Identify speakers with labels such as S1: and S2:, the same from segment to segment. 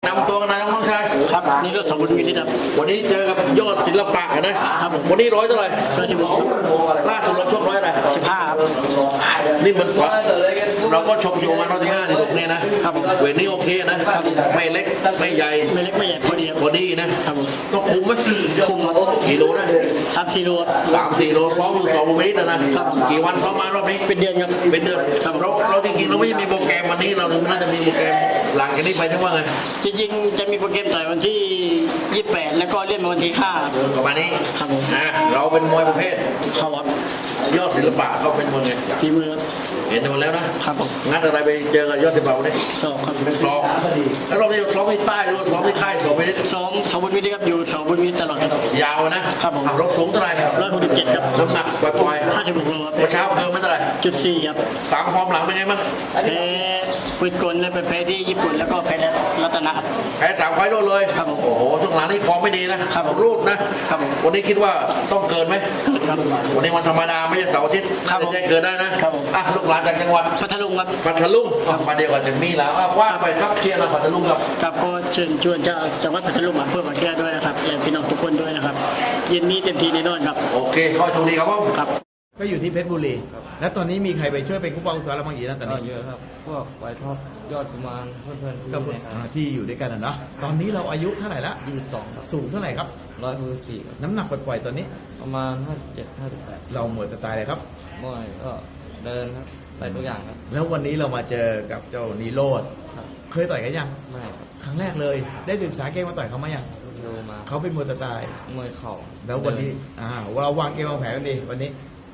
S1: นำตัวกันนายน้องชาย
S2: ครับนี่ก็สมบูรณ์มีที่ครับ
S1: วันนี้เจอกับยอดศิลปะนะครับวันนี้ร้อยเท่าไหร่ล่าสุดเราชกร้อยอะไร
S2: 15ครับ
S1: นี่มันเราก็ชกอยู่มา115นี่ตรงนี้นะครับเวทนี้โอเคนะไม่เล็กไม่ใหญ่
S2: พอดี
S1: นะครับต้องคุมไหม
S2: คุม
S1: กี่โลนะ
S2: 3-4 โล
S1: 3-4 โลซ้อมอยู่2 วันนี้นะครับกี่วันซ้อมมารอบนี้
S2: เป็นเดือนครับ
S1: เป็นเดือนเราจริงๆเราไม่มีโปรแกรมวันนี้เราน่าจะมีโปรแกรมหลังจากนี้ไปทั้งว่าไง
S2: จริงๆจะมีโปรแกรมต่อยวันที่28แล้วก็เลื่อนมาวันที่5
S1: ประมาณนี้
S2: ครับผม
S1: เราเป็นมวยประเภท
S2: เข้าวัด
S1: ยอดศิลปะเขาเป็นมวยไง
S2: ฝีมือ
S1: เห็นหมดแล้วนะครับ
S2: ผม
S1: งั้นอะไรไปเจอกับยอดศิลปะวันนี้
S2: ซ้อมครับ
S1: ซ้อมแล้วเราไปซ้อมที่ใต้หรือว่าซ้อมที่ค่ายซ้อมไปนี่
S2: ซ้อมสมบูรณ์มีที่ครับอยู่สมบูรณ์มีตลอดครับ
S1: ยาวนะครับผมรถสูงเท่าไหร่
S2: 167ครับ
S1: น้ำหนักปล่อย
S2: 56 โลครับ
S1: เช้าเกินไม่เท่าไหร่
S2: 4ครับ
S1: 3 ฟอร์มหลังเป็นไงบ้าง
S2: แพ้ปืนกลและไปแพ้ที่ญี่ปุ่นแล้วก็แพ้รัตนะ
S1: แพ้3 ไฟล์เลย
S2: ครับผม
S1: โอ้โหช่วงหลังนี่ฟอร์มไม่ดีนะครับรูดนะครับวันนี้คิดว่าต้องเกินไหม
S2: ครับ
S1: วันนี้วันธรรมดาไม่ใช่เสาร์อาทิตย์จะเกินได้นะครับลูกหลานจากจังหวัด
S2: พัทลุงครับ
S1: พัทลุงมาเดียวกันจะมีแล้วว่าไปครับเชียร์เราพัทลุงครับ
S2: ครับก็เชิญชวนเจ้าจังหวัดพัทลุงมาเพื่อมาแก้ด้วยนะครับและพี่น้องทุกคนด้วยนะครับเย็นนี้เต็มที่แน่นอนครับ
S1: โอเคข้อโชคดีครับผม
S2: ครับ
S3: ก็อยู่ที่เพชรบุรีและตอนนี้มีใครไปช่วยเป็นผู้ป้องกันเราบางอย่างนะตอนนี้
S4: เยอะครับพวกไวท็อปยอดกุมารเพื่อนๆ
S3: ที่อยู่ด้วยกันนะเนาะตอนนี้เราอายุเท่าไหร่ละ
S4: 22ครับ
S3: สูงเท่าไหร่ครับ
S4: 164ครับ
S3: น้ำหนักปล่อยๆตอนนี้
S4: ประมาณ57-58
S3: เราหมดสไตล์เลยครับ
S4: มวยก็เดินครับต่อยทุกอย่างครับ
S3: แล้ววันนี้เรามาเจอกับเจ้านีโรธเคยต่อยกันยัง
S4: ไม่ครับ
S3: ครั้งแรกเลยได้ศึกษาเกมมาต่อยเขามายัง
S4: ดูมา
S3: เขาเป็นมวยสไตล์
S4: มวยเข่า
S3: แล้ววันนี้เราวางเกมวางแผนกันดีวันนี้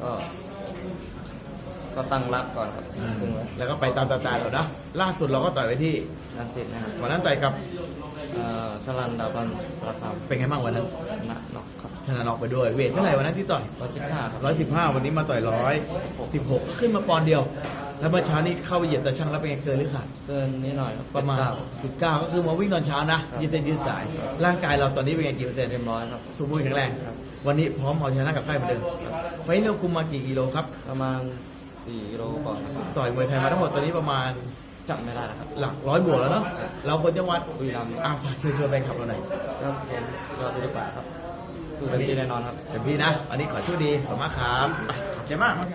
S4: ก็ตั้งรับก่อนครับ
S3: แล้วก็ไปตามสไตล์เรานะล่าสุดเราก็ต่อยไปที่
S4: รังสิตนะครับ
S3: วันนั้นต่อยกับ
S4: ชลันดาบันสารคาม
S3: เป็นไงบ้างวันนั้น
S4: น็อกครับ
S3: ชนะน็อกไปด้วยเวทเท่าไหร่วันนั้นที่ต่อย
S4: 115ครับ
S3: 115วันนี้มาต่อย116ขึ้นมาปอนด์เดียวแล้วเมื่อเช้านี้เข้าเหยียบตะช่างแล้วเป็นไงเกินหรือขาด
S4: เกินนิดหน่อย
S3: ประมาณ19ก็คือมาวิ่งตอนเช้านะยืดเส้นยืดสายร่างกายเราตอนนี้เป็นไงกี่เปอร์เซ็นต์
S4: เต็มร้อยครับ
S3: สมบูรณ์แข็งแรงวันนี้พร้อมเอาชนะกับใครเหมือนเดิมไฟนอลคุมมากี่กิโลครับ
S4: ประมาณ4 กิโลก่อน
S3: ต่อยมวยไทยมาทั้งหมดตอนนี้ประมาณ
S4: จำไม่ได้ครับ
S3: หลัก100 บวกแล้วเนาะเราคนจังหวัด
S4: บุรีรัมย์
S3: ฝากเชิญชวนแฟนคลับเราหน่อย
S4: ครับผมรอดูดีกว่าครับคือเป็นที่แน่นอนครับ
S3: เต็มที่นะอันนี้ขอโชคดีขอบคุณมากครับขอบใจมาก